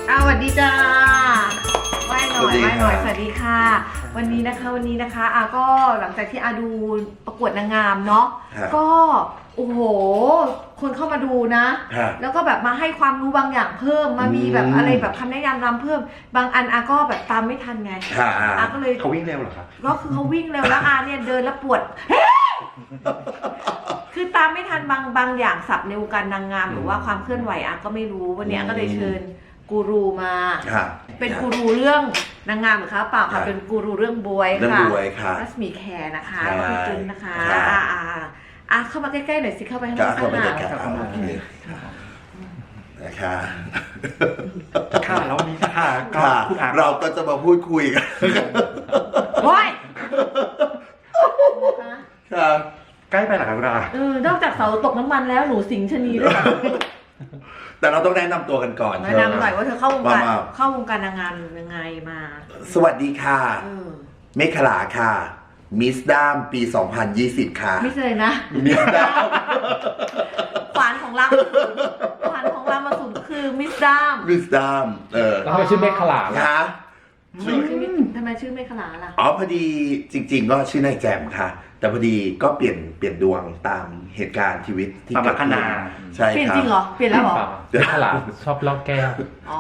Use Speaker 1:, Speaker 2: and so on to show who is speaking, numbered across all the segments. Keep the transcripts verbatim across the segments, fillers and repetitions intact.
Speaker 1: อ้าวสวัสดีจ้าไหว้หน่อยไหว้หน่อยสวัสดีค่ะวันนี้นะคะวันนี้นะคะอาก็หลังจากที่อาดูประกวดนางงามเนาะก็โอ้โหคนเข้ามาดูนะแล้วก็แบบมาให้ความรู้บางอย่างเพิ่มมามีแบบอะไรแบบคำแนะนำรำเพิ่มบางอันอาก็แบบตามไม่ทันไงอาก็เลย
Speaker 2: เขาวิ่งเร็วเหรอครับ
Speaker 1: ก็คือเขาวิ่งเร็วแล้วอาเนี่ยเดินแล้วปวดคือตามไม่ทันบางบางอย่างศัพท์ในวงการนางงามหรือว่าความเคลื่อนไหวอาก็ไม่รู้วันนี้อาก็เลยเชิญกูรูมาเป็นกูรูเรื่องนางงามหรือคะเปล่าค่ะเป็นกูรูเรื่องบวยค่ะรัศมีแคร์นะคะพี่จุนนะคะอ่าอ่าอ่ะเข้ามาใกล้ๆหน่อยสิเข้าไปข้างในเข้ามา
Speaker 3: นะคะ
Speaker 2: ค่ะแล้ววันนี้ค่ะ
Speaker 3: คุณอาเราก็จะมาพูดคุยกัน
Speaker 1: โอ้ย
Speaker 3: ค่ะ
Speaker 2: ใกล้ไปหรอครับคุณอา
Speaker 1: เออนอกจากเสาตกน้ำมันแล้วหนูสิงชนีด้วย
Speaker 3: แต่เราต้องแนะนำตัวกันก่อน
Speaker 1: แนะนำหน่อยว่าเธอเข้าวงการเข้าวงการนางงามยังไงมา
Speaker 3: สวัสดีค่ะเมฆลาค่ะมิสด้ามปีสองพันยี่สิบค่ะ
Speaker 1: มิสเลยนะ
Speaker 3: มิสด้าม
Speaker 1: ขวานของเราขวานของเรามาสุดคือมิสด้าม
Speaker 3: มิสด้ามเออ
Speaker 2: แล้วทำไมชื่อเมฆลา
Speaker 3: คะ
Speaker 1: ทำไมชื่อเมฆลาล่ะ
Speaker 3: อ๋อพอดีจริงๆก็ชื่อนายแจมค่ะแต่พอดีก็เปลี่ยนเปลี่ยนดวงตามเหตุการณ์ชีวิต
Speaker 2: ที่เกิดขึ้น
Speaker 3: ใช่ครับ
Speaker 1: เปลี่ยนจริงเหรอเปลี่ยนแล้วเหรอ
Speaker 2: เมฆลาชอบลอกแก้ว
Speaker 1: อ๋อ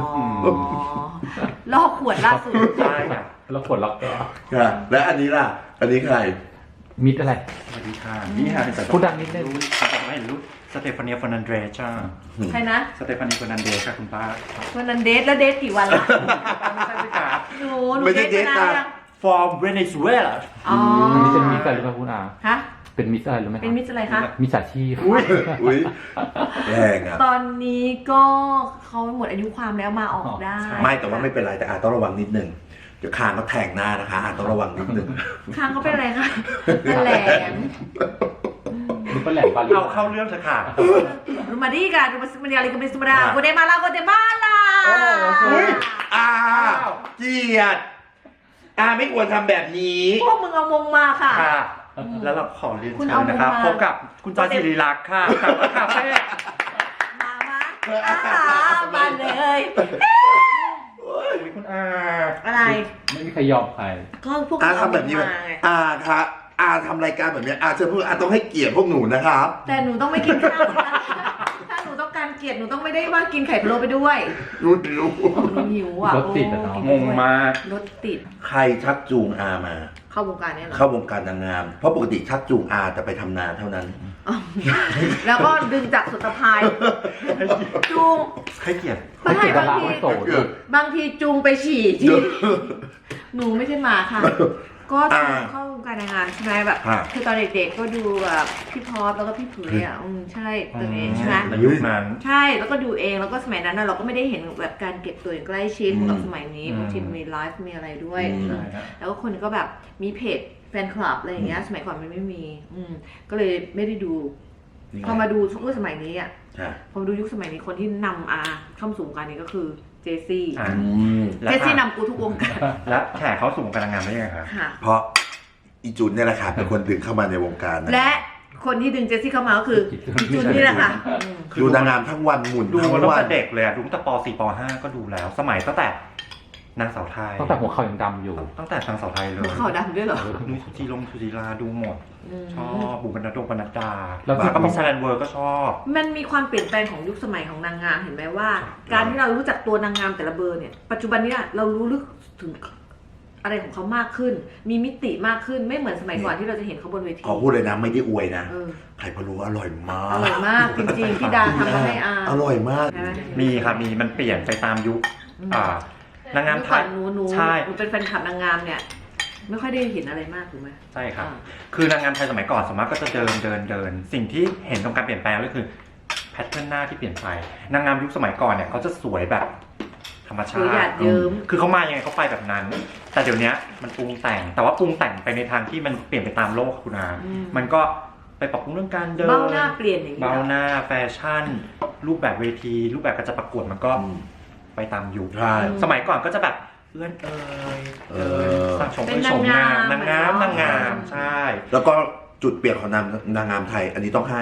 Speaker 1: ลอกขวดล่าสุด
Speaker 2: ใช่ค่ะลอกขวดลอกแก้ว
Speaker 3: ค่ะและอันนี้ล่ะอันนี้ใคร
Speaker 2: มิดอะไรสวัสดีค่ะนี่ค่ะพูดดังนิดนึงแต่ไม่รู้สเตฟานีฟอนันเดรจ้า
Speaker 1: ใครนะ
Speaker 2: สเตฟานีฟอนันเดรค่ะคุณป้า
Speaker 1: ฟอนันเดรแล้วเดทกี่วันล่ะหนูหนู
Speaker 3: ไม่ใช่เดทนะ
Speaker 2: from Venezuela
Speaker 1: อ๋อ
Speaker 2: อันนี้เป็นมิสอะไรหรือเปล่าคุณอา
Speaker 1: ฮะ
Speaker 2: เป็นมิสอะไรหรือไม่
Speaker 1: เป็นมิสอะไรคะ
Speaker 2: มิสอาชีพ
Speaker 3: อุ้ยอุ้ยแรงอ่ะ
Speaker 1: ตอนนี้ก็เขาหมดอายุความแล้วมาออกได้
Speaker 3: ไม่แต่ว่าไม่เป็นไรแต่อาจต้องระวังนิดนึงเดี๋ยวคางก็แทงหน้านะคะอาจต้องระวังนิดนึง
Speaker 1: คางเขาเป็นอะไรคะแหลม
Speaker 2: ดูเป็นแหลมบาลีเอาเข้าเรื่องเถอะค่ะ
Speaker 1: ดูมาดีกันดูมาสมัยอะไรกันเป็นสมัยโกเดมาลาโกเดมาลา
Speaker 3: โอ้ยอาเกียรติอาไม่ควรทำแบบนี้
Speaker 1: พวกมึงเอามงมาค่ะ
Speaker 2: แล้วเราขอเรียนเชิญนะครับพบกับคุณจอยศิริลักษณ์ค่ะจากคาเฟ่
Speaker 1: มามามาเลย
Speaker 2: คุณอา
Speaker 1: อะไร
Speaker 2: ไม่มีใครยอมใคร
Speaker 1: ก็พวก
Speaker 3: อาทำแบบนี้ไหมอาค่ะอาทำรายการแบบนี้อาจะพูดอาต้องให้เกียรติพวกหนูนะครับ
Speaker 1: แต่หนูต้องไม่กินข้าวถ้าหนูต้องการเกียรติหนูต้องไม่ได้ว่ากินไข่พะโล้ไปด้วย
Speaker 3: รู้หิว
Speaker 1: หนูหิวอ่ะ
Speaker 2: รถติดอ่ะเนาะงงมาก
Speaker 1: รถติด
Speaker 3: ใครชักจูงอามา
Speaker 1: เข้าวงการเนี่ยเหรอ
Speaker 3: เข้าวงการนางงามเพราะปกติชักจูงอาแต่ไปทำนาเท่านั้น
Speaker 1: แล้วก็ดึงจากสุตภายจูง
Speaker 3: ให้เกียรติ
Speaker 1: ไม่ให้บางทีบางทีจูงไปฉี่ที่หนูไม่ใช่หมาค่ะก็เข้าวงการนางงามใช่ไหมแบบคือตอนเด็กๆก็ดูแบบพี่พอสแล้วก็พี่เผยอ่ะอืมใช่ตอนนี้ใช่ไหม
Speaker 2: ยุคนั้น
Speaker 1: ใช่แล้วก็ดูเองแล้วก็สมัยนั้นเราก็ไม่ได้เห็นแบบการเก็บตัวอย่างใกล้ชิดเหมือนกับสมัยนี้บางทีมีไลฟ์มีอะไรด้วยแล้วก็คนก็แบบมีเพจแฟนคลับอะไรอย่างเงี้ยสมัยก่อนมันไม่มีอืมก็เลยไม่ได้ดูพอมาดูยุคสมัยนี้อ่ะพอมาดูยุคสมัยนี้คนที่นำอาเข้าสู่วงการนี้ก็คือเจซี่เจซี่นำกูทุกวงการ
Speaker 2: และแขกเขาสู่วงการนางงามได้ยังไงครับ
Speaker 3: เพราะอีจุนเนี่ยแหละค่ะเป็นคนดึงเข้ามาในวงการ
Speaker 1: และคนที่ดึงเจซี่เข้ามาก็คืออีจุนนี่แหละค่ะ
Speaker 3: ดูนางงามทั้งวันหมุน
Speaker 2: ดูตั้งแต่เด็กเลยดูตั้งแต่ป สี่ ป ห้าก็ดูแล้วสมัยตั้งแต่นางสาวไทยตั้งแต่หัวเข่ายังดำอยู่ตั้งแต่นางสาวไทยเลย
Speaker 1: หัวเข่าดำด้วยเหรอ
Speaker 2: ดูสุจีลงสุจีราดูหมดชอบบุ๋มบรรณดงบรรณดาแล้วก็มีแซนเวิร์ก็ชอบ
Speaker 1: มันมีความเปลี่ยนแปลงของยุคสมัยของนางงามเห็นไหมว่าการที่เรารู้จักตัวนางงามแต่ละเบอร์เนี่ยปัจจุบันนี้เรารู้ลึกถึงอะไรของเขามากขึ้นมีมิติมากขึ้นไม่เหมือนสมัยก่อนที่เราจะเห็นเขาบนเวที
Speaker 3: ขอพูดเลยนะไม่ได้อวยนะไข่พะโล้อร่อยมาก
Speaker 1: อร่อยมากจริงๆพี่ดาทำมาให้อา
Speaker 3: อร่อยมาก
Speaker 2: มีค่ะมีมันเปลี่ยนไปตามยุคนางงามไทย
Speaker 1: หนูหนูหนูเป็นแฟนคลับนางงามเนี่ยไม่ค่อยได้เห็นอะไรมากถูกไหม
Speaker 2: ใช่ครับคือนางงามไทยสมัยก่อนสมมติก็จะเดินเดินเดินสิ่งที่เห็นตรงการเปลี่ยนแปลงก็คือแพทเทิร์นหน้าที่เปลี่ยนไปนางงามยุคสมัยก่อนเนี่ยเขาจะสวยแบบธรรมชาติคือเขามายังไงเขาไปแบบนั้นแต่เดี๋ยวนี้มันปรุงแต่งแต่ว่าปรุงแต่งไปในทางที่มันเปลี่ยนไปตามโลกคุณอามันก็ไปปรับปรุงเรื่องการเดิน
Speaker 1: เบ้าหน้าเปลี่ยนอย่างนี้
Speaker 2: เบ้าหน้าแฟชั่นรูปแบบเวทีรูปแบบการจะประกวดมันก็ไปตามยุคสมัยก่อนก็จะแบบเอื้อนเอ่ยเอ่ยสร้างชมเป็นชมงามนางงามนางงามใช่
Speaker 3: แล้วก็จุดเปลี่ยนของนางนางงามไทยอันนี้ต้องให้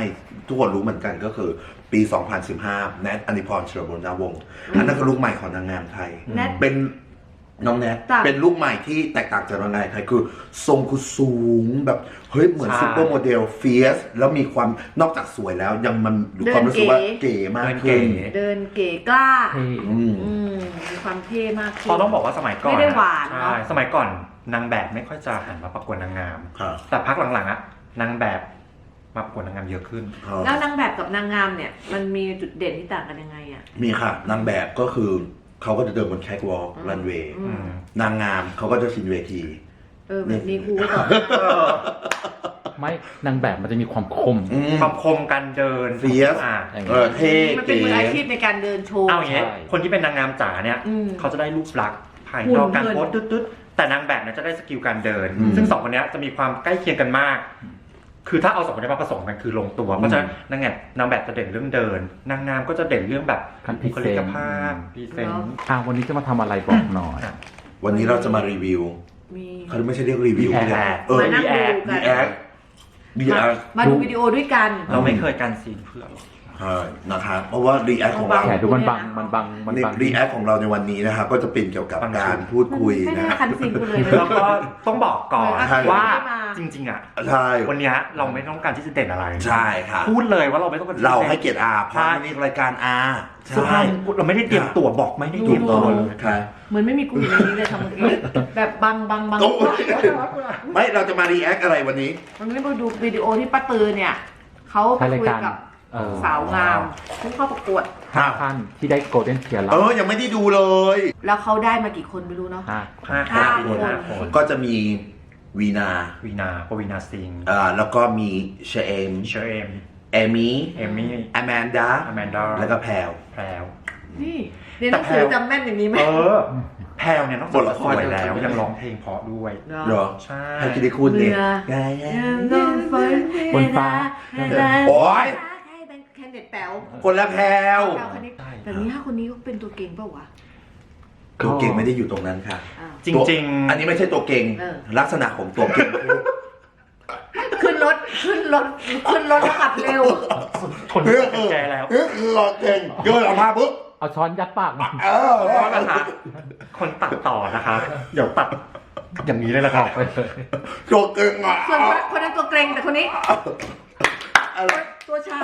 Speaker 3: ทุกคนรู้เหมือนกันก็คือปี สองพันสิบห้า แนท อนิพร เฉลิมบุรณวงศ์อันนั้นคือลูกใหม่ของนางงามไทย
Speaker 1: แนท
Speaker 3: เป็นน้องแนท
Speaker 1: จ้ะ
Speaker 3: เป็นลูกใหม่ที่แตกต่างจากนางงามไทยคือทรงคือสูงแบบเฮ้ยเหมือน
Speaker 2: ใช่
Speaker 3: ซุปเปอร์โมเดลเฟียสแล้วมีความนอกจากสวยแล้วยังมันมีความรู้สึกว่าเก๋มากขึ้น
Speaker 1: เดินเก๋กล้า
Speaker 4: เท่
Speaker 3: อืม
Speaker 1: อืมมีความเท่มากขึ้น
Speaker 2: เขาต้องบอกว่าสมัยก่อน
Speaker 1: ไม่ได้หวาน
Speaker 2: ใช่
Speaker 1: เนอะ
Speaker 2: สมัยก่อนนางแบบไม่ค่อยจะหันมาประกวดนางงาม
Speaker 3: ครับ
Speaker 2: แต่พักหลังๆอะนางแบบมาประกวดนางงามเยอะขึ้น
Speaker 1: แล้วนางแบบกับนางงามเนี่ย มันมีจุดเด่นที่ต่างกันยังไงอ่ะ
Speaker 3: มีค่ะนางแบบก็คือเขาก็จะเดินบนแคทวอล์ก
Speaker 1: อืม
Speaker 3: รันเวย์
Speaker 1: อืม
Speaker 3: นางงามเขาก็จะชินเวที
Speaker 1: เออแบบนี้ครูก็ตอบ
Speaker 4: ไม่นางแบบมันจะมีความคม
Speaker 3: อืม
Speaker 2: ความคมการเดิน
Speaker 3: Fierce
Speaker 2: อ่า
Speaker 3: เออเท่
Speaker 1: มันเป็น
Speaker 3: เก๋
Speaker 1: มืออาชีพในการเดินโชว์
Speaker 2: เอาอย่างเงี้ย
Speaker 4: ใช่
Speaker 2: คนที่เป็นนางงามจ๋าเนี่ย
Speaker 1: อืม
Speaker 2: เขาจะได้รูปลักษณ์ภาย
Speaker 1: หุ่น
Speaker 2: นอกการ
Speaker 1: เดิน
Speaker 2: โพสตึ๊ดๆแต่นางแบบเนี่ยจะได้สกิลการเดิน
Speaker 3: อืม
Speaker 2: ซึ่งสองคนเนี้ยจะมีความใกล้เคียงกันมาก คือถ้าเอาสองคนนี้มาผสมกันคือลงตัว เพราะฉะนั้นนางแบบนางแบบจะเด่นเรื่องเดิน นางงามก็จะเด่นเรื่องแบบ
Speaker 4: การ
Speaker 2: บุคลิกภาพ
Speaker 4: พรี
Speaker 2: พรี
Speaker 4: เซ
Speaker 2: เซ
Speaker 4: น
Speaker 2: น
Speaker 4: ต์
Speaker 2: ต์
Speaker 4: อ่ะวันนี้จะมาทำอะไรบอกหน่อย
Speaker 3: วันนี้เราจะมารีวิว
Speaker 1: มี
Speaker 3: เขาไม่ใช่เรียกรีวิว
Speaker 2: React
Speaker 3: เรียกเออ
Speaker 1: มานั่งดู
Speaker 3: ดี
Speaker 1: กั
Speaker 3: แอน คดีแอค
Speaker 1: มาดูวิดีโอด้วยกัน
Speaker 2: เราไม่เคยการซีนเพื่อนหรอก
Speaker 3: ใช่นะครับเพราะว่ารีแอคของเรา
Speaker 4: แขนดูมันบังมันบังมันบัง
Speaker 3: รีแอคของเราในวันนี้นะครับก็จะเป็นเกี่ยวกับการพูดคุย
Speaker 1: ไม่ได้
Speaker 3: นะ
Speaker 1: คันซิงกูเลยนะ
Speaker 2: แล้วก็ต้องบอกก่อน
Speaker 3: ใช่
Speaker 2: ว่า
Speaker 1: ไม่มา
Speaker 2: จริงๆอ่ะ
Speaker 3: ใช่
Speaker 2: วันเนี้ยเราไม่ต้องการที่จะเด่นอะไร
Speaker 3: ใช่ค่ะ
Speaker 2: พูดเลยว่าเราไม่ต้องการ
Speaker 3: เราให้เกียรติอาเพ
Speaker 2: ใช่
Speaker 3: ราะนี่รายการอา
Speaker 2: เสื้อผ้าเราไม่ได้เตรียมตัวบอกไม่ได้เตรียมตัวเลย
Speaker 3: ค่ะ
Speaker 1: เหมือนไม่มีกูอยู่ในนี้เลยทำเมื่อกี้แบบบังบังบัง
Speaker 3: โอ้ย ไม่เราจะมารีแอคอะไรวันนี้
Speaker 1: มันไม่มาดูวิดีโอที่ป้าตือเนี่ยเขาไป
Speaker 4: ใช่ราย
Speaker 1: คุย
Speaker 4: การ
Speaker 1: กับ
Speaker 4: เออ
Speaker 1: สาวงามที่เข้าประกวด
Speaker 4: ห้าท่านที่ได้โกลเด้นเทียร์แล้
Speaker 3: เอ
Speaker 4: ว
Speaker 3: อยังไม่ได้ดูเลย
Speaker 1: แล้วเขาได้มากี่คนไม่รู้เนาะ
Speaker 4: ห้า
Speaker 2: ห้า
Speaker 1: ห้า
Speaker 2: คน
Speaker 1: คน
Speaker 2: ห้าคน
Speaker 3: ก็จะมีวีนา
Speaker 2: วีนาปวีนาซิงห์
Speaker 3: อ่าแล้วก็มีเชเอม
Speaker 2: เชอร์เอม
Speaker 3: เอมี่
Speaker 2: เอมมี่
Speaker 3: อแมนดา
Speaker 2: อแมนดา
Speaker 3: แล้วก็แพลว
Speaker 2: แพรว
Speaker 1: นี่เรียนหนังสือจำแม่นอย่างนี้ไหม
Speaker 2: เออ แพรวเนี่ยนอก
Speaker 3: บ
Speaker 2: จาก
Speaker 3: ทละ
Speaker 2: จะ
Speaker 3: ค
Speaker 2: ส
Speaker 3: ร
Speaker 2: วยแล้วยังร้องเพลงเพราะด้วย
Speaker 3: เหรอ
Speaker 2: ใช่
Speaker 3: ให้กิติคุณเนี่ย
Speaker 1: เรือ
Speaker 3: ไง
Speaker 4: บนฟ้า
Speaker 3: โอ๊ย
Speaker 1: ให้เป็นแคนเด็ดแป๋ว
Speaker 3: คนละแพลว
Speaker 1: แป๋วคนนี้แต่นี้ห้าคนนี้ก็เป็นตัวเก่งเปล่าวะ
Speaker 3: ตัวเก่งไม่ได้อยู่ตรงนั้นค่ะ
Speaker 1: อ้าว
Speaker 2: จริงๆ
Speaker 3: อันนี้ไม่ใช่ตัวเก่ง
Speaker 1: เออ
Speaker 3: ลักษณะของตัวเก่งคือ
Speaker 1: ขึ้นรถขึ้นรถขึ้นรถแล้วขับเร็ว
Speaker 2: คนที่เป็นแกแล้ว
Speaker 3: เออคือตัวเก่งโยนออกมาปุ๊บ
Speaker 4: เอาช้อนยัดปากมัน
Speaker 3: เออ
Speaker 2: เพราะนะคะคนตัดต่อนะคะเดี๋ยวตัดอย่างนี้เลยละครับ
Speaker 4: ไปเลย
Speaker 3: ตัวเก่งอ่ะ
Speaker 1: ส่วนคนคนนั้นตัวเกรงแต่คนนี้
Speaker 3: อะไร
Speaker 1: ตัวชา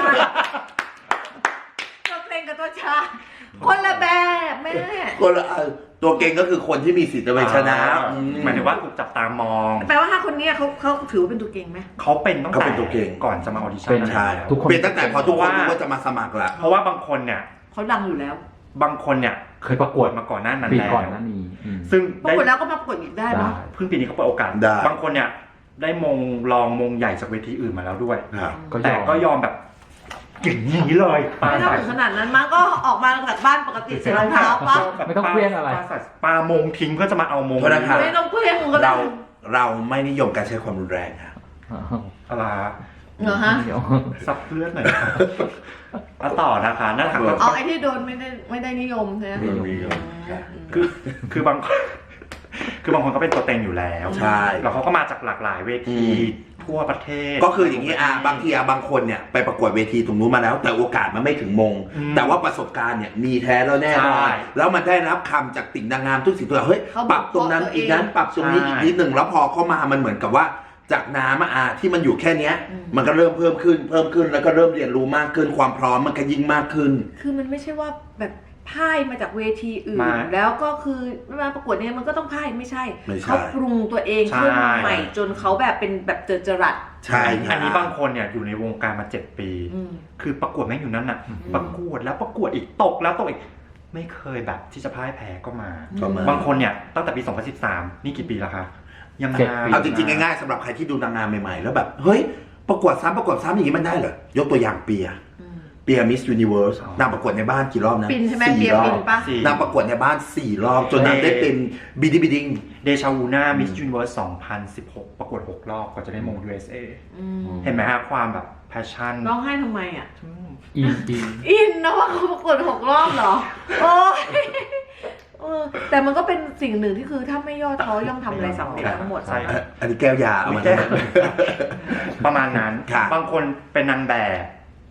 Speaker 1: ตัวเกรงกับตัวชา คนละแบบแม่
Speaker 3: คนละอันตัวเก่งก็คือคนที่มีสิทธิ์จะไปชนะอื
Speaker 2: หมายถึงว่าถูกจับตามอง
Speaker 1: แปลว่าห้าคนนี้เขาเขาถือว่าเป็นตัวเก่งไหม
Speaker 2: เขาเป็นตั้ง
Speaker 3: เขา
Speaker 2: แต่
Speaker 3: เป็นตัวเก่ง
Speaker 2: ก่อนจะมาออดิชั่
Speaker 4: เป็น น
Speaker 3: ใช่
Speaker 2: แล้ว
Speaker 4: ทุกคน
Speaker 3: เป็นตั้งแต่พอทุกคนรู้ว่าจะมาสมัครละ
Speaker 2: เพราะว่าบางคนเนี่ย
Speaker 1: เขาดังอยู่แล้ว
Speaker 2: บางคนเนี่ย
Speaker 4: เคยประกวด
Speaker 2: มาก่อนหน้านั้น
Speaker 4: ปี
Speaker 2: แล้ว
Speaker 4: ก่อนหน้านี้อืม
Speaker 2: ซึ่ง
Speaker 1: ปรา
Speaker 2: ได้
Speaker 1: กฏแล้วก็มาประกวดอีกได้เนาะ
Speaker 4: ได้
Speaker 2: เพิ่งปีนี้เขาเปิดโอกาส
Speaker 3: ได้
Speaker 2: บางคนเนี่ยได้มงรองมงใหญ่จากเวทีอื่นมาแล้วด้วย
Speaker 3: ครับ
Speaker 4: ก็ย
Speaker 2: แต่
Speaker 4: อม
Speaker 2: ก็ยอมแบบอย่างนี้เลยปา
Speaker 1: ไม่ต้อง
Speaker 2: ใส่
Speaker 1: ถึงขนาดนั้นมั้งก็ออกมาจากบ้านปกติใส่รองเท้าปะ
Speaker 4: ไม่ต้องเคลี้ยงอะไร
Speaker 2: ปาใส่ปามงทิ้งเพื่อจะมาเอามง
Speaker 3: โทษนะครับ
Speaker 1: ไม่ต้องเคลี้ยงก็ได้
Speaker 3: เราเราไม่นิยมการใช้ความรุนแรงครับ
Speaker 2: อะไร
Speaker 1: เหรอฮะ
Speaker 4: เดี๋ยว
Speaker 2: ซับเลือดหน่อยมาต่อนะคะนั่นแหละค่ะก็
Speaker 1: เอาไอ้ที่โดนไม่ได้ไม่ได้นิยมใช่ไหม
Speaker 3: ไม่นิยม
Speaker 2: คือคือบางคนคือบางคนก็เป็นตัวเต็งอยู่แล้ว
Speaker 3: ใช่
Speaker 2: แล้วเขาก็มาจากหลากหลายเวทีทั่วประเทศ
Speaker 3: ก็คืออย่างนี้อ่ะบางทีอ่ะบางคนเนี่ยไปประกวดเวทีตรงนู้นมาแล้ว แต่โอกาสมันไม่ถึงมง
Speaker 2: อืม
Speaker 3: แต่ว่าประสบการณ์เนี่ยมีแท้แล้วแน่นอน
Speaker 2: ใช่
Speaker 3: แล้วมันได้รับคำจากติ่งนางงามทุกสิ่งทุกอย่างเฮ้ยปรับตรงนั้นอีกนั้นปรับตรงนี้
Speaker 2: ใช่
Speaker 3: อีกนิดหนึ่งแล้วพอเข้ามามันเหมือนกับว่าจากน้ำอ่ะที่มันอยู่แค่เนี้ย มันก็เริ่มเพิ่มขึ้นเพิ่มขึ้นแล้วก็เริ่มเรียนรู้มากขึ้นความพร้อมมันก็ยิ่งมากขึ้น
Speaker 1: คือมันไม่ใช่ว่าแบบพ่ายมาจากเวทีอื่น
Speaker 2: มา
Speaker 1: แล้วก็คือมาประกวดเนี่ยมันก็ต้องพ่ายไม่ใช่
Speaker 3: ไม่ใช่
Speaker 1: เขาปรุงตัวเองขึ้น
Speaker 2: ใช่
Speaker 1: ใหม่จนเขาแบบเป็นแบบเจอจรัส
Speaker 3: ใช่ค
Speaker 2: อั
Speaker 3: รั
Speaker 2: นนี้บางคนเนี่ยอยู่ในวงการมาเจ็ดปี
Speaker 1: อืม
Speaker 2: คือประกวดแม่งอยู่นั่นน่ะ ประกวดแล้วประกวดอีกตกแล้วตกอีก ไม่เคยแบบที่จะพ่ายแพ้ก็มา
Speaker 3: ก็มา
Speaker 2: บางคนเนี่ยตั้งแต่ปี สองพันสิบสาม นี่กี่ปีแล้วคะยัง
Speaker 4: เจ็ด
Speaker 2: มา
Speaker 4: ปี
Speaker 3: เอาจริงๆง่ายๆสำหรับใครที่ดูนางงามใหม่ๆ แล้วแบบเฮ้ยประกวดซ้ำประกวดซ้ำอย่างนี้มันได้เหรอยกตัวอย่างเปีย
Speaker 1: อืม
Speaker 3: เปียมิสยูนิเวิร์สนางประกวดในบ้านกี่รอบนะ
Speaker 1: ปินใช่ไหม
Speaker 3: สี่
Speaker 1: เปีย
Speaker 3: รอ
Speaker 1: ปิ
Speaker 3: บ
Speaker 1: นปะ
Speaker 2: สี่
Speaker 3: นางประกวดในบ้านสี่รอบจนนางได้เป็นบิดดิ้งบิดดิ้ง
Speaker 2: เดชาวูน่ามิสยูนิเวิร์ส สองพันสิบหก ประกวดหกรอบก็จะได้มง ยู เอส เอ
Speaker 1: อืม
Speaker 2: เห็นไหมฮะความแบบแพชชั่น
Speaker 1: ร้องไห้ทำไมอ่ะ
Speaker 4: อินอิน
Speaker 1: อินนะว่าเขาประกวดหกรอบเหรอ โอ้ยเออแต่มันก็เป็นสิ่งหนึ่งที่คือถ้าไม่ย่อท้อย่อมทำอะไรสำเร็จทั้งหมด
Speaker 2: ใช่
Speaker 3: อ่ะอันนี้แก้วยาเอามา
Speaker 2: แก้ว ประมาณนั้น
Speaker 3: ค่ะ
Speaker 2: บางคนเป็นนางแบบ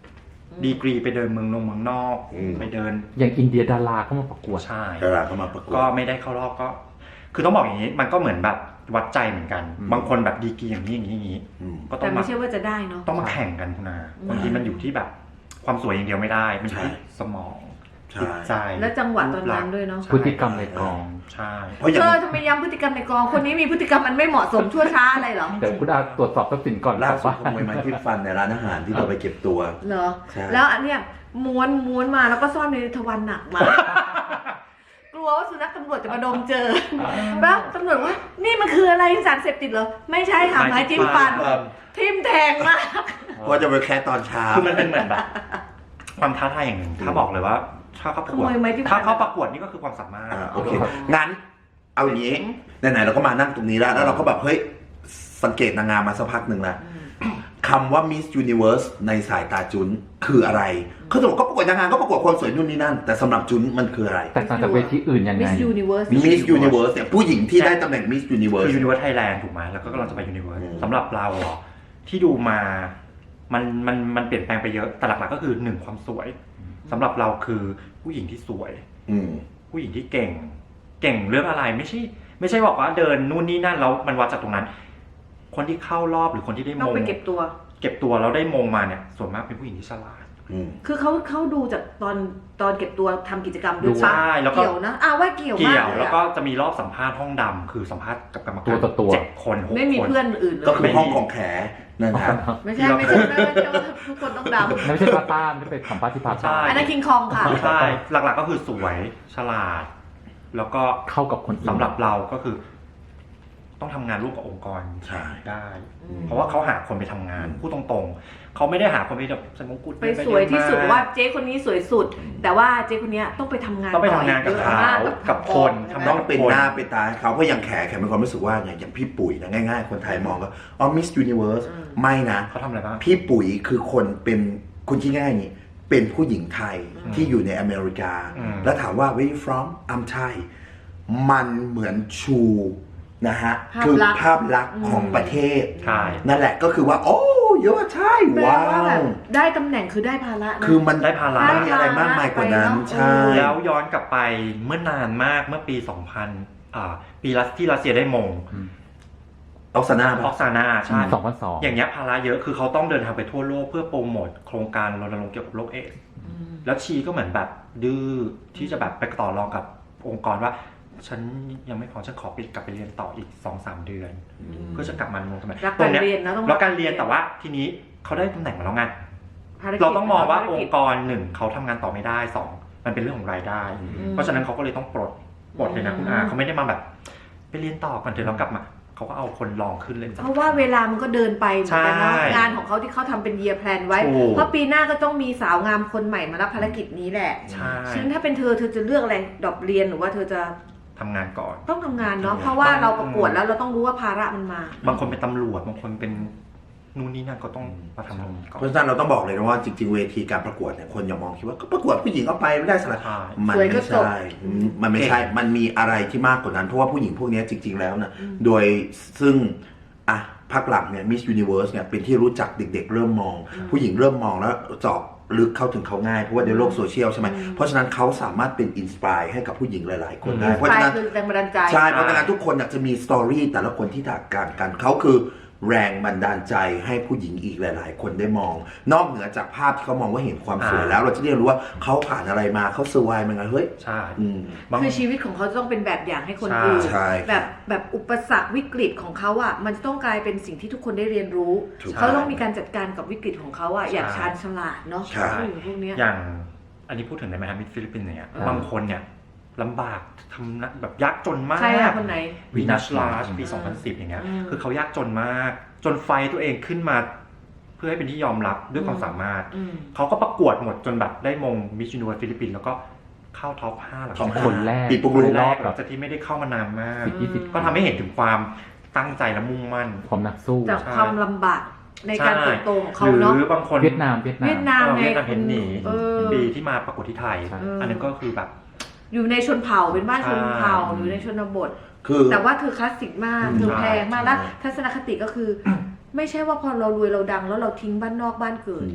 Speaker 2: ดีกรีไปเดินเมืองนงเมืองนอก
Speaker 3: อืม
Speaker 2: ไปเดิน
Speaker 4: อย่างอินเดียดาราเข้ามาประกวด
Speaker 2: ใช่
Speaker 3: ดาราเข้ามาประกวด
Speaker 2: ก็ไม่ได้เข้ารอบก็ คือต้องบอกอย่างนี้ มันก็เหมือนแบบวัดใจเหมือนกัน
Speaker 4: อืม
Speaker 2: บางคนแบบดีกรีอย่างนี้อย่างนี้อย่างนี้
Speaker 3: อืม
Speaker 2: ก็ต้อ
Speaker 1: แต่
Speaker 2: ง
Speaker 1: ไม่
Speaker 2: มา
Speaker 1: ใช่ว่าจะได้เนาะ
Speaker 2: ต้องมาแข่งกันคุณอา
Speaker 1: อืม
Speaker 2: บางทีมันอยู่ที่แบบความสวยอย่างเดียวไม่ได้ มันอยู่ที่
Speaker 3: ใช่
Speaker 2: สมอง
Speaker 3: ใช่
Speaker 2: จิตใจ
Speaker 1: และจังหวะตอนนั้นด้วยเนาะ
Speaker 2: ใช่
Speaker 4: พฤติกรรมในกอง
Speaker 2: ใช่
Speaker 3: เพราะอย่าง
Speaker 1: เธอทำไมย้ำพฤติกรรมในกองคนนี้มีพฤติกรรมมันไม่เหมาะสมชั่วช้าอะไรเหรอ
Speaker 4: แต่คุณอาตรวจสอบทรัพย์สินก่อน
Speaker 3: ล่า
Speaker 4: ครับ
Speaker 3: สุด
Speaker 4: ว่า
Speaker 3: ขโมยไม้จิ้มฟันในร้านอาหารที่เราไปเก็บตัว
Speaker 1: เหรอ
Speaker 3: ใช่
Speaker 1: แล้วอันเนี้ยม้วนม้วนมาแล้วก็ซ่อนในทวารหนักมาก กลัวว่าสุนัขตำรวจจะมาดมเจอแล้วตำรวจว่านี่มันคืออะไรสารเสพติดเหรอไม่ใช่ค่ะไม้จิ้มฟัน
Speaker 3: ครับ
Speaker 1: ทิ่มแทงมาก
Speaker 3: เพราะจะไปแค่ตอนเช้า
Speaker 2: คือมันเป็นเหมือนแบบ ความท้าทายอย่างหนึ่ง ถ้าบอกเลยว่า ถ้าเขาประกวด
Speaker 1: ขโมยไม้จิ้มฟัน
Speaker 2: ถ้าเขาประกวดนี่ก็คือความสามารถ
Speaker 3: อ่าโอเค งั้น เอาอย่างนี้ ไหนๆเราก็มานั่งตรงนี้แล้ว แล้วเราก็แบบ เฮ้ย สังเกตนางงามมาสักพักหนึ่งแล้วคำว่า Miss Universe ในสายตาจุนคืออะไร เขาจะบอกก็ประกวดนางงามก็ประกวดคนสวยนู่นนี่นั่น แต่สำหรับจุนมันคืออะไร
Speaker 4: แต่ต่างจากเวทีอื่นยังไง
Speaker 1: Miss Universe
Speaker 3: Miss Universe เนี่ยผู้หญิงที่ได้ตำแหน่ง Miss
Speaker 2: คือ
Speaker 3: Universe
Speaker 2: Universe Thailand ถูกไหมแล้วก็กำลังจะไป Universe
Speaker 3: อืม
Speaker 2: สำหรับเราเหรอที่ดูมา มันมันมันเปลี่ยนแปลงไปเยอะ แต่หลักๆก็คือหนึ่งความสวยสำหรับเราคือผู้หญิงที่สวย
Speaker 3: อืม
Speaker 2: ผู้หญิงที่เก่ง เก่งเรื่องอะไรไม่ใช่ ไม่ใช่บอกว่าเดินนู่นนี่นั่นแล้วมันวัดจากตรงนั้น คนที่เข้ารอบหรือคนที่ได้ม
Speaker 1: ต้อง
Speaker 2: ง
Speaker 1: ไปเก็บตัว
Speaker 2: เก็บตัวแล้วได้มงมาเนี่ยส่วนมากเป็นผู้หญิงที่ฉลาด
Speaker 3: อืม
Speaker 1: คือเขาเขาดูจากตอนตอนเก็บตัวทำกิจกรรมด้
Speaker 2: ดู
Speaker 1: วยปะ
Speaker 2: ใช่แล้วก็
Speaker 1: เกี่ยวนะอ่าว่าเกี่ยวมาก
Speaker 2: เกี่ยว
Speaker 1: เลย
Speaker 2: แล้ว
Speaker 1: อะ
Speaker 2: ก็จะมีรอบสัมภาษณ์ห้องดำคือสัมภาษณ์กับกรรมการ
Speaker 4: ตัวต่อตัว
Speaker 2: เจ็ดคนหกคน
Speaker 1: ไม่มีเพื่อนอื่นเลย
Speaker 3: ก็คือห้องของแขนั่นนะ
Speaker 1: ไม่ใช่ไม่ใช่ไม่ใช่ว่าทุกคนต้องดำ
Speaker 4: ไม่ใช่พาต้าไม่ได้เป็นสัมภาษณ์ที่พาต้า
Speaker 1: อันนั้นคิงคองค่ะ
Speaker 2: ใช่หลักๆก็คือสวยฉลาด แล้วก็
Speaker 4: เข้ากับคนอื่น
Speaker 2: สำหรับเราก็คือ ต้องทำงานร่วมกับองค์กร
Speaker 3: ใช่
Speaker 2: ได้
Speaker 1: อืม
Speaker 2: เพราะว่าเขาหาคนไปทำงานพูดตรงๆเขาไม่ได้หาคนไปแบบใส่มงกุฎ
Speaker 1: ไปสวยที่สุด
Speaker 2: เนไปเนม
Speaker 1: ว่าเจ๊คนนี้สวยสุด แต่ว่าเจ๊คนนี้ต้องไปทำงาน
Speaker 2: ต้องไปทำงานกับ
Speaker 1: ต่อ
Speaker 2: เขา
Speaker 1: ยอะม
Speaker 2: กับคน
Speaker 1: ใช่ไหม
Speaker 2: ทำ
Speaker 3: ต้องเป็นหน้าเป็นตาให้เขาเพราะอย่างแขแขมีความรู้สึกว่าไงอย่างพี่ปุ๋ยนะง่ายๆ คนไทยมองก็อ๋อ Miss Universe
Speaker 1: อืม
Speaker 3: ไม่นะ
Speaker 2: เขาทำอะไรบ้าง
Speaker 3: พี่ปุ๋ยคือคนเป็นคุณคิดง่ายๆนี่เป็นผู้หญิงไทย
Speaker 2: อืม
Speaker 3: ที่อยู่ในอเมริกา
Speaker 2: อืม
Speaker 3: แล้วถามว่า where you from I'm Thai มันเหมือนชูนะฮะ
Speaker 1: ภาพ
Speaker 3: คือ
Speaker 1: ลักษณ์
Speaker 3: ภาพลักษณ์ของประเทศ
Speaker 2: ใช่
Speaker 3: นั่นแหละก็คือว่า โอ้เยอะใช่
Speaker 1: แปล
Speaker 3: ว้า
Speaker 1: ว่าแบบ
Speaker 3: ว
Speaker 1: ได้ตำแหน่งคือได้ภาระนะ
Speaker 3: คือมัน
Speaker 2: ได้ภาระ
Speaker 3: ไม่มีอะไรมากมายกว่านั้น
Speaker 1: ไปเนอะ
Speaker 3: ใช่
Speaker 2: แล้วย้อนกลับไปเมื่อนานมากเมื่อปี สองพัน อ่า ปีรัสที่รัสเซียได้มง
Speaker 3: ออกซาน่า
Speaker 2: อ
Speaker 3: ปะ
Speaker 2: อกซานาใช่
Speaker 4: สองพันสอง
Speaker 2: อย่างเงี้ยภาระเยอะคือเขาต้องเดินทางไปทั่วโลกเพื่อโปรโมทโครงการรณรงค์เกี่ยวกับโรคเอดส์
Speaker 1: อืม
Speaker 2: แล้วชีก็เหมือนแบบดื้อที่จะแบบไปต่อรองกับองค์กรว่า ฉันยังไม่พอฉันขอไปกลับไปเรียนต่ออีก สองสาม เดือน เพื่อจะกลับมาลงทำไม
Speaker 1: รัก
Speaker 2: ตร
Speaker 1: กาง ร
Speaker 2: เนี้ย
Speaker 1: เรียนนะต้อง
Speaker 2: แล้วการเรียนแต่ว่าทีนี้เขาได้ตำแหน่งมาแล้วไง
Speaker 1: ภกิจ
Speaker 2: เราต้องมองว่า
Speaker 1: ภร
Speaker 2: อง
Speaker 1: กิจ
Speaker 2: ค์กรหนึ่งเขาทำงานต่อไม่ได้สองมันเป็นเรื่องของรายได้
Speaker 1: อืม
Speaker 2: เพราะฉะนั้นเขาก็เลยต้องปลดปลดเลยนะคุณอาเขาไม่ได้มาแบบ ไปเรียนต่อก่อนเถอะเรากลับมาเขาก็เอาคนลองขึ้นเลย
Speaker 1: เพราะว่าเวลามันก็เดินไปเหมือนกันนะ
Speaker 2: ใช่
Speaker 1: งานของเขาที่เขาทำเป็น year plan ไว้
Speaker 2: ถูก
Speaker 1: เพราะปีหน้าก็ต้องมีสาวงามคนใหม่มารับภารกิจนี้แหละ
Speaker 2: ใช่
Speaker 1: ฉะนั้นถ้าเป็นเธอเธอจะเลือกอะไรดรอปเรียนหรือว่าเธอจะ
Speaker 2: ทำงานก่อน
Speaker 1: ต้องทำงานเนาะเพราะว่าเราประกวดแล้วเราต้องรู้ว่าภาระมันมา
Speaker 2: บางคนเป็นตำรวจบางคนเป็นนู่นนี่นั่นก็ต้องมาทำตรงนี้ก่อน
Speaker 3: เพราะฉะนั้นเราต้องบอกเลยนะว่าจริงๆเวทีการประกวดเนี่ยคนอย่ามองคิดว่าก็ประกวดผู้หญิงเอาไปไม่ได้สละ
Speaker 2: ใช่
Speaker 3: มัน
Speaker 1: สวยก็
Speaker 3: ไม่
Speaker 1: จบ
Speaker 3: ใช่อืมมันไม่ใช่ มันมีอะไรที่มากกว่านั้น เพราะว่าผู้หญิงพวกนี้จริง ๆ แล้วนะโดยซึ่งอ่ะภาคหลังเนี่ย Miss Universe เนี่ยเป็นที่รู้จักเด็ก ๆ เริ่มมอง ผู้หญิงเริ่มมองแล้วเจาะลึกเข้าถึงเขาง่ายเพราะว่าในโลกโซเชียลใช่ไหมเพราะฉะนั้นเขาสามารถเป็นอินสปายให้กับผู้หญิงหลาย ๆ คนได้ เพราะ
Speaker 1: ไป
Speaker 3: ฉะนั้น
Speaker 1: คือแรงบันดาลใจ
Speaker 3: ใช่ เพราะฉะนั้นทุกคนอยากจะมีสตอรี่แต่ละคนที่แตกต่างกันเขาคือแรงบันดาลใจให้ผู้หญิงอีกหลาย ๆ คนได้มอง นอกเหนือจากภาพที่เขามองว่าเห็นความสวย
Speaker 2: อ่า
Speaker 3: แล้วเราจะได้รู้ว่าเขาผ่านอะไรมาเขาเซอร์ไวมันไงเฮ้ย
Speaker 2: ใช่
Speaker 3: อืม
Speaker 2: บาง
Speaker 1: คือชีวิตของเขาจะต้องเป็นแบบอย่างให้คน
Speaker 2: ใช่
Speaker 1: อื่น
Speaker 3: ใช่
Speaker 1: แบบแบบอุปสรรควิกฤตของเขาอ่ะมันจะต้องกลายเป็นสิ่งที่ทุกคนได้เรียนรู้
Speaker 3: ถูก
Speaker 1: เขาต้องมีการจัดการกับวิกฤตของเขาอ่ะ
Speaker 2: ใช่
Speaker 1: อย่างชาญฉลาดเนาะ
Speaker 3: ใช่
Speaker 1: ผู้หญิงพวกเนี้ย
Speaker 2: อย่างอันนี้พูดถึงในแมฮามิดฟิลิปปินส์เนี่ย
Speaker 1: อ่า
Speaker 2: บางคนเนี่ยลำบากทำนะแบบยากจนมาก
Speaker 1: ใครอะคนไหน
Speaker 2: วีนัสลาชปี
Speaker 1: อืม
Speaker 2: สองพันสิบอย่างเงี้ย
Speaker 1: อืม
Speaker 2: คือเขายากจนมาก จนไฟตัวเองขึ้นมา เพื่อให้เป็นที่ยอมรับด้วยความสามารถ
Speaker 1: อืม
Speaker 2: เขาก็ประกวดหมดจนแบบได้มงมิสยูนิเวิร์สฟิลิปปินส์แล้วก็เข้าท็อปห้าหลัง
Speaker 3: ท็อป
Speaker 2: จาก
Speaker 4: คนแรก
Speaker 3: ปีปุ๊ก
Speaker 2: คน
Speaker 3: ลุก
Speaker 2: แร
Speaker 4: รอก บ
Speaker 2: ห
Speaker 4: แบ
Speaker 2: ลั
Speaker 4: บ
Speaker 2: งจากที่ไม่ได้เข้ามานานมาก
Speaker 4: สิบยี่สิบ
Speaker 2: ก็ทำให้เห็นถึงความตั้งใจและมุ่งมั่น
Speaker 4: ความนักสู้
Speaker 1: จาก
Speaker 2: ใช่
Speaker 1: ความลำบากในการ
Speaker 2: ใช่
Speaker 1: เติบโตของเขา
Speaker 2: หรื
Speaker 1: เนาะ
Speaker 2: อบางคน
Speaker 4: เวียดนามเวียดนาม
Speaker 1: เวียดนาม
Speaker 2: เออ
Speaker 1: ไง
Speaker 2: เวียดนามเห็นหนี
Speaker 1: เออ
Speaker 2: ปีที่มาประกวดที่ไทย
Speaker 4: ใช่
Speaker 2: อันนั้นก็คือแบบ
Speaker 1: อยู่ในชนเผ่าเป็นบ้านชนเผ่า
Speaker 2: ใช่
Speaker 1: อยู่ในชนบท
Speaker 3: คือ
Speaker 1: แต่ว่าเธอคลาสสิกมาก
Speaker 3: อืม
Speaker 1: เธอแพงมาก
Speaker 3: ใช่
Speaker 1: แล้วทัศนคติก็คือ ไม่ใช่ว่าพอเรารวยเราดังแล้วเราทิ้งบ้านนอกบ้านเกิด
Speaker 3: อืม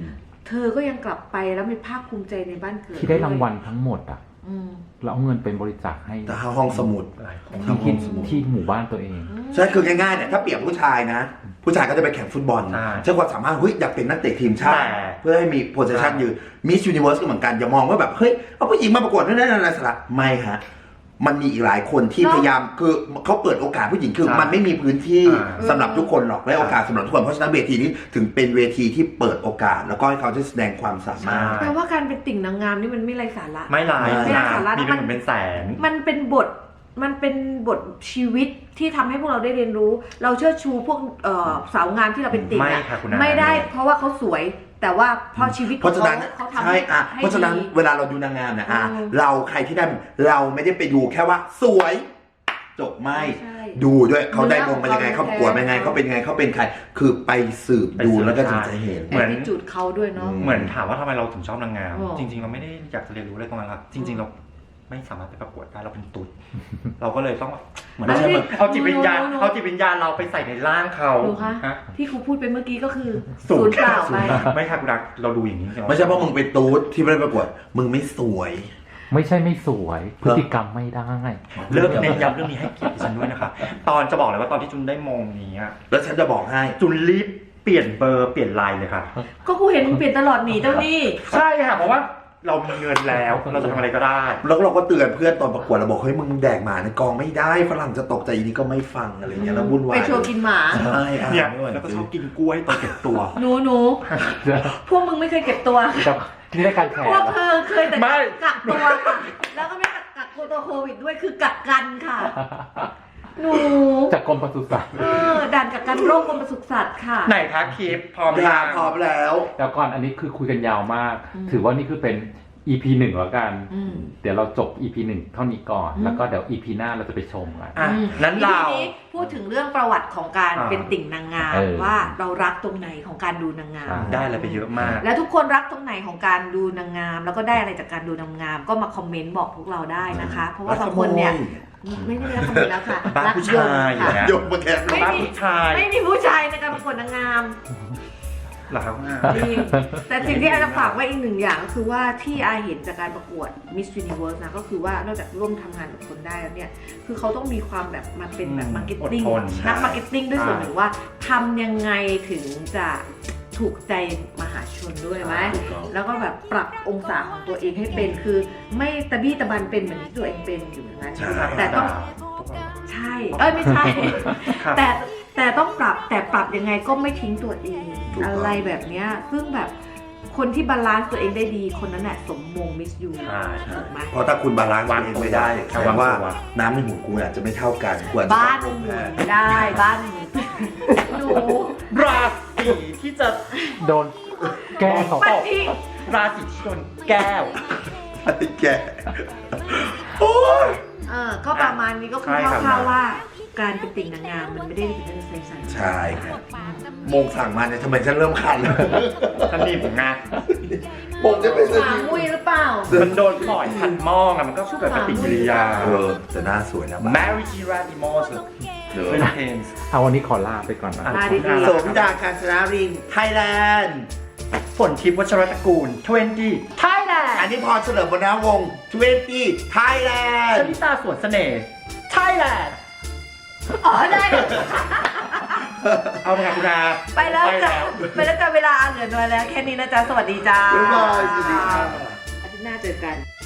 Speaker 1: เธอก็ยังกลับไปแล้วมีภาคภูมิใจในบ้านเกิด
Speaker 4: ที่ได้รางวัลทั้งหมดอ่ะ
Speaker 1: อืม
Speaker 4: แล้วเอาเงินเป็นบริจาคให้
Speaker 3: แต่ห้องสมุด
Speaker 2: หลายคน
Speaker 4: ที่ที่ที่หมู่บ้านตัวเอง
Speaker 3: ใช่คือง่ายๆเนี่ยถ้าเปรียบผู้ชายนะ ผู้ชายก็จะไปแข่งฟุตบอล
Speaker 2: ใช่
Speaker 3: ใช้ความสามารถเฮ้ยอยากเป็นนักเตะทีมชาติ
Speaker 2: แต่
Speaker 3: เพื่อให้มีโพสิชันยืนมิสยูนิเวิร์สก็เหมือนกันอย่ามองว่าแบบเฮ้ยเอาผู้หญิงมาประกวดนั่นนั่นอะไรสาระไม่ฮะมันมีอีกหลายคนที่
Speaker 1: เนอะ
Speaker 3: พยายามคือเขาเปิดโอกาสผู้หญิงคือ
Speaker 2: ใช่
Speaker 3: มันไม่มีพื้นที่
Speaker 2: อ่า
Speaker 3: สำหรับทุกคนหรอกและโอกาสสำหรับทุกคนเพราะฉะนั้นเวทีนี้ถึงเป็นเวทีที่เปิดโอกาส แล้วก็ให้เขาได้แสดงความสามารถ
Speaker 1: แปลว่าการเป็นติ่งนางงามนี่มันไม่ไร้สาระ
Speaker 2: ไม่หลาย
Speaker 3: ไม่หลาย
Speaker 2: สาระมีเป็นหมื่นเป็นแสน
Speaker 1: มันเป็นบท มันเป็นบทชีวิตที่ทำให้พวกเราได้เรียนรู้ เราเชิดชูพวกเอ่อสาวงามที่เราเป็นติ่ง
Speaker 2: ไม่
Speaker 1: อะ
Speaker 2: ค่ะคุณอา
Speaker 1: ไม่ได้เพราะว่าเขาสวย แต่ว่าเพราะชีวิต
Speaker 3: เพราะฉะนั้น
Speaker 1: เขาทำ
Speaker 3: ใช่
Speaker 1: ให้
Speaker 3: อ่ะ
Speaker 1: ให้
Speaker 3: เพราะฉะนั้น
Speaker 1: ดี
Speaker 3: เวลาเราดูนางงามเนี่ยอ่ะ
Speaker 1: อืม
Speaker 3: เราใครที่ได้เราไม่ได้ไปดูแค่ว่าสวย จบไม่
Speaker 1: ใช่
Speaker 3: ดูด้วยเขาได้มงมายังไง
Speaker 1: เนื้อ
Speaker 3: เขา
Speaker 1: ของ
Speaker 3: ประกวดมายังไง
Speaker 1: เขา
Speaker 3: เขาเป็นยังไงเขาเป็นใคร คือไปสืบดู
Speaker 2: ไปสืบ
Speaker 3: แล้วก็ถึง
Speaker 2: ใช่
Speaker 3: จะเห็น
Speaker 2: เหมือน
Speaker 1: แอทิจูดเขาด้วยเนาะ
Speaker 3: อื
Speaker 2: เหมือนถามว่าทำไมเราถึงชอบนางงาม
Speaker 1: อ๋อ
Speaker 2: จริง ๆ เราไม่ได้อยากจะเรียนรู้อะไรตรงนั้นครับจริง ๆ เราไม่สามารถไปประกวดได้เราเป็นตุ๊ด เราก็เลยต้องเหมือน
Speaker 1: อันนี้
Speaker 2: เอาจิตวิญญาณ
Speaker 1: หนูหนู
Speaker 2: เอาจิตวิญญาณเราไปใส่ในร่างเขา
Speaker 1: ดูคะ
Speaker 2: ฮะ
Speaker 1: ที่ครูพูดไปเมื่อกี้ก็คือ
Speaker 2: ศู
Speaker 1: ศู
Speaker 2: น
Speaker 1: น
Speaker 2: ย์
Speaker 1: ย์เปล่าไป
Speaker 2: ไม่ค่ะคุณรักเราดูอย่างนี้ใช่ไหม
Speaker 3: ไม่ใช่เพราะมึงเป็นตูดที่ไม่ได้ประกวด มึงไม่สวย
Speaker 4: ไม่ใช่ไม่สวย พฤติกรรมไม่ได้
Speaker 2: เลิกเน้นย้ำเรื่องนี้ให้เกียรติดิฉันด้วยนะคะตอนจะบอกเลยว่าตอนที่จุนได้มงนี้อะ
Speaker 3: แล้วฉันจะบอกให้
Speaker 2: จุนรีบเปลี่ยนเบอร์เปลี่ยนไลน์เลยค่ะ
Speaker 1: ก็ครูเห็นมึงเปลี่ยนตลอดหนีเจ้านี่
Speaker 2: ใช่ค่ะเพราะว่าเรามีเงินแล้วเราจะทำอะไรก็ได้
Speaker 3: แล้วเราก็เตือนเพื่อนตอนประกวดเราบอกเฮ้ยมึงแดกหมาในกองไม่ได้ฝรั่งจะตกใจอีนี่ก็ไม่ฟังอะไรเงี้ยแล้ววุ่นวาย
Speaker 1: ไปโชว์กินหมา
Speaker 3: ใช่อ่ะ
Speaker 2: เนี่ย
Speaker 3: ไม่ไหว
Speaker 2: แล้วก็
Speaker 3: จ
Speaker 2: ช
Speaker 3: ริ
Speaker 2: อง บกินกล้วยตอนเก็บตัว
Speaker 1: หนูหนูพวกมึงไม่เคยเก็บตัว
Speaker 4: แต่นี่ได้การแข่ง
Speaker 1: พวกเธอเคยแต่
Speaker 2: ไม่
Speaker 1: กักตัวค่ะ แล้วก็ไม่กักตัวโควิดด้วยคือกักกันค่ะ หนู
Speaker 4: จากกรมปศุสัตว์
Speaker 1: เออด่านกักกันโรคกรมปศุสัตว์ค่ะ
Speaker 2: ไหนคะคลิปพร้อม
Speaker 3: พร้อ
Speaker 2: ทาม ง
Speaker 3: พร้อมแล้ว
Speaker 4: แล้วก่อนอันนี้คือคุยกันยาวมาก
Speaker 1: อืม
Speaker 4: ถือว่านี่คือเป็น อี พี หนึ่งแล้วกัน
Speaker 1: อืม
Speaker 4: เดี๋ยวเราจบ อี พี หนึ่งเท่านี้ก่อน
Speaker 1: อืม
Speaker 4: แล้วก็เดี๋ยว อี พี หน้าเราจะไปชมกัน
Speaker 2: อ่ะ
Speaker 1: อืม
Speaker 2: นั้นเรา
Speaker 1: ทีนี้พูดถึงเรื่องประวัติของการ
Speaker 2: อ่า
Speaker 1: เป็นติ่งนางงาม
Speaker 4: เออ
Speaker 1: ว่าเรารักตรงไหนของการดูนางงาม
Speaker 4: ใช่
Speaker 2: ได้อะไรไปเยอะมาก
Speaker 1: และทุกคนรักตรงไหนของการดูนางงาม แล้วก็ได้อะไรจากการดูนางงาม ก็มาคอมเมนต์บอกพวกเราได้นะคะ เพราะว่าบางคนเนี่ยไม่ได้รักคอมเมนต์แล้วค่ะ
Speaker 2: บ้า
Speaker 1: รั
Speaker 2: ผู้ชาย
Speaker 1: ยงค่ะ
Speaker 2: เนี่ย
Speaker 3: ยกมาแค่
Speaker 1: ไม่
Speaker 2: บ้า
Speaker 1: มี
Speaker 2: ผู้ชาย
Speaker 1: ไม่มีผู้ชายในการประกวดนางงาม
Speaker 2: เหรอครับอ่ะ
Speaker 1: จริงแต่สิ่งที่อาจะฝากไว้อีกหนึ่งอย่างก็คือว่าที่อาเห็นจากการประกวด Miss Universe นะก็คือว่านอกจากร่วมทำงานกับคนได้แล้วเนี่ยคือเขาต้องมีความแบบมาเป็นแบบมาร์เก็ตติ้ง
Speaker 2: อดทน
Speaker 1: นักมาร์เก็ตติ้งด้วยส่วน
Speaker 2: ใช่
Speaker 1: หนึ่งว่าทำยังไงถึงจะถูกใจมหาชนด้วยไหม
Speaker 3: ถูกต้อง
Speaker 1: แล้วก็แบบปรับองศาของตัวเองให้เป็นคือไม่ตะบี้ตะบันเป็นเหมือนที่ตัวเองเป็นอยู่อย่างนั้น
Speaker 3: ใช่
Speaker 1: แต่ต้องใช่ เอ้ยไม่ใช่
Speaker 2: ครับ
Speaker 1: แต่แต่ต้องปรับแต่ปรับยังไงก็ไม่ทิ้งตัวเอง
Speaker 3: ถูกต้อง
Speaker 1: อะไรแบบเนี้ยซึ่งแบบคนที่บาลานซ์ตัวเองได้ดีคนนั้นแหละสมมงมิสยู
Speaker 2: ใช่
Speaker 1: ถูกไหม
Speaker 3: เพราะถ้าคุณบาลานซ์ตัวเองไม่ได้แสดงว่า
Speaker 2: ระวังตัว
Speaker 3: น้ำในหูกูอาจจะไม่เท่ากันควรจะ
Speaker 1: บ้าน
Speaker 3: ต้อง
Speaker 1: ห
Speaker 3: แพ
Speaker 1: มุ
Speaker 3: ทย์
Speaker 1: นได้บ้านหมุนหนู
Speaker 2: ราศีที่จะ
Speaker 4: โดนแก้เขา
Speaker 1: มันที่
Speaker 2: ราศีที่โดนแก้ว
Speaker 3: ไอ้แกโอ้ย
Speaker 1: เออก็ประมาณนี้ก็คือ
Speaker 2: ใช่ครับ
Speaker 1: คร่าวๆว่าการเป็นติ่งนางงามมันไม่ได้เป็นเรื่องใสๆ
Speaker 3: ใช่ครับโมงสั่งมาเนี่ยทำไมฉันเริ่มคันแล้ว
Speaker 2: ท่านนี่ผมงาน
Speaker 3: โมงจะเป็น
Speaker 1: หมามุ้ยหรือเปล่า
Speaker 2: มันโดนปล่อยพันหม้อไงมันก็เกิดปฏิกิริยา
Speaker 3: เออแต่หน้าสวยนะบ้า
Speaker 2: Mary g i r a d i m o s
Speaker 3: เดี๋ยว
Speaker 2: เป็นเพนส์
Speaker 4: เอาวันนี้ขอลาไปก่อนนะ
Speaker 1: ลาดีๆ
Speaker 3: สมดาการชนะรินไทยแลนด์
Speaker 2: ฝนทิพย์วัชรตระกูลยี่สิบ
Speaker 1: Thailand
Speaker 3: อันนี้พอเฉลิมบรรณวงศ์ยี่สิบไทยแลน
Speaker 2: ช
Speaker 3: ด์
Speaker 2: ลิตาสวนเสน่ห์ Thailand
Speaker 1: อ๋อได้
Speaker 2: เอาไปค่ะคุณอา
Speaker 1: ไปแล้วจ้ะไปแล้วจ้ะเวลาเหลือน้อยแล้ว แค่นี้นะจ๊ะ สวัสดีจ้า
Speaker 3: บ๊ายบายสวัสดีครับ
Speaker 1: อาทิตย์หน้าเจอกัน